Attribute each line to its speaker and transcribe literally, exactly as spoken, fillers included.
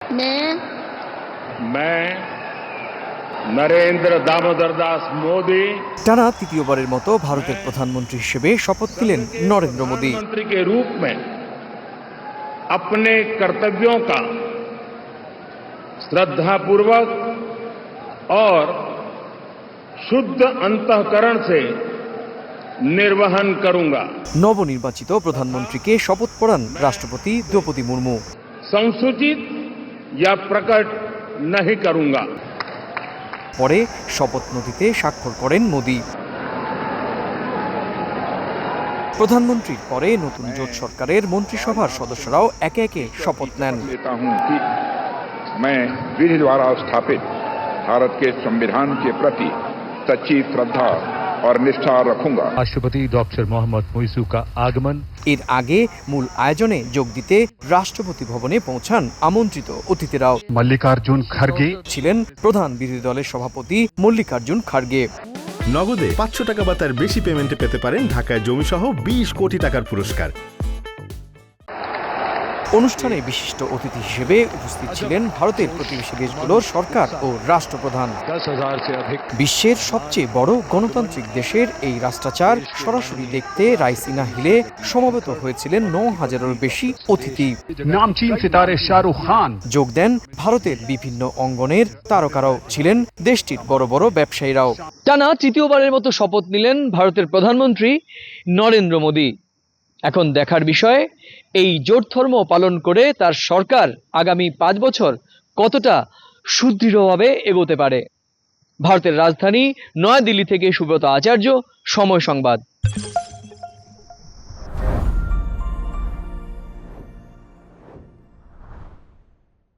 Speaker 1: मैं
Speaker 2: मैं नरेंद्र दामोदर दास मोदी
Speaker 3: টানা তৃতীয়বারের মতো ভারতের প্রধানমন্ত্রী হিসেবে শপথ নিলেন নরেন্দ্র মোदी।
Speaker 2: प्रधानमंत्री के रूप में अपने कर्तव्यों का श्रद्धापूर्वक और शुद्ध अंतःकरण से निर्वहन करूंगा।
Speaker 3: নবনির্বাচিত প্রধানমন্ত্রীকে শপথ পড়ান রাষ্ট্রপতি দ্রৌপদী মুর্মু।
Speaker 2: संसूचित या प्रकट नहीं करूंगा।
Speaker 3: পরে শপথ নথিতে স্বাক্ষর করেন মোদি। প্রধানমন্ত্রীর পরে নতুন জোট সরকারের মন্ত্রিসভার সদস্যরাও একে একে শপথ নেন।
Speaker 4: मैं विधि द्वारा स्थापित भारत के संविधान के प्रति सच्ची श्रद्धा और निष्ठा रखूंगा।
Speaker 5: राष्ट्रपति डॉक्टर मोहम्मद मुइजू का आगमन।
Speaker 3: এর আগে মূল আয়োজনে যোগ দিতে রাষ্ট্রপতি ভবনে পৌঁছান আমন্ত্রিত অতিথিরাও।
Speaker 5: मल्लिकार्जुन खड़गे
Speaker 3: ছিলেন প্রধান বিরোধী দলের সভাপতি মল্লিকার্জুন খাড়গে।
Speaker 6: নগদে পাঁচশো টাকা বা তার বেশি পেমেন্টে পেতে পারেন ঢাকায় জমিসহ বিশ কোটি টাকার পুরস্কার।
Speaker 3: অনুষ্ঠানে বিশিষ্ট অতিথি হিসেবে উপস্থিত ছিলেন ভারতের প্রতিবেশী দেশগুলোর সরকার ও রাষ্ট্রপ্রধান। বিশ্বের সবচেয়ে বড় গণতান্ত্রিক দেশের এই রাষ্ট্রাচার সরাসরি দেখতে রাইসিনা হিলে সমবেত হয়েছিলেন ন হাজারের বেশি অতিথি।
Speaker 5: नामचीन सितारे शाहरुख खान
Speaker 3: যোগ দেন ভারতের বিভিন্ন অঙ্গনের তারকারাও, ছিলেন দেশটির বড় বড় ব্যবসায়ীরাও। টানা তৃতীয়বারের মতো শপথ নিলেন ভারতের প্রধানমন্ত্রী নরেন্দ্র মোদি। এখন দেখার বিষয়, এই জোট ধর্ম পালন করে তার সরকার আগামী পাঁচ বছর কতটা সুদৃঢ়ভাবে এগোতে পারে। ভারতের রাজধানী নয়াদিল্লি থেকে সুব্রত আচার্য, সময় সংবাদ।